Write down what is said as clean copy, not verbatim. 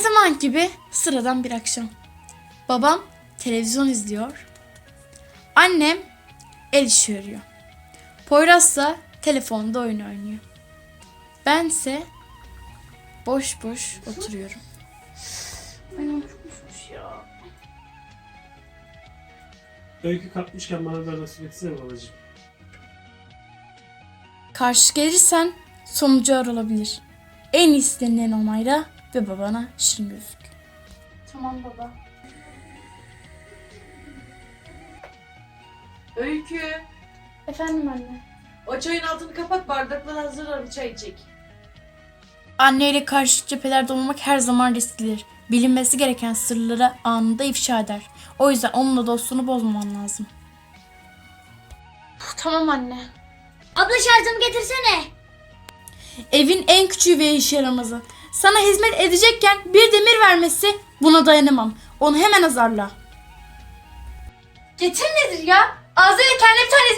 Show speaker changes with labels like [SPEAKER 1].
[SPEAKER 1] zaman gibi sıradan bir akşam. Babam televizyon izliyor. Annem el işi örüyor. Poyraz da telefonda oyun oynuyor. Bense boş boş oturuyorum.
[SPEAKER 2] Öykü kalkmışken bana da nasip etsene babacığım.
[SPEAKER 1] Karşı gelirsen sonucu ağır olabilir. En iyisi denilen onayla ve babana şirin gözük.
[SPEAKER 3] Tamam baba.
[SPEAKER 4] Öykü,
[SPEAKER 3] Efendim anne.
[SPEAKER 4] o çayın altını kapat, bardaklar hazır, bir çay içecek.
[SPEAKER 1] Anneyle karşı cephelerde olmak her zaman risklidir. Bilinmesi gereken sırları anında ifşa eder. O yüzden onunla dostluğunu bozmaman lazım.
[SPEAKER 3] Tamam anne.
[SPEAKER 5] Abla şarjımı getirsene.
[SPEAKER 1] Evin en küçüğü ve işe yaramazı. Sana hizmet edecekken bir demir vermesi, buna dayanamam. Onu hemen azarla.
[SPEAKER 3] Getir nedir ya? Ağzıyla kendi bir tane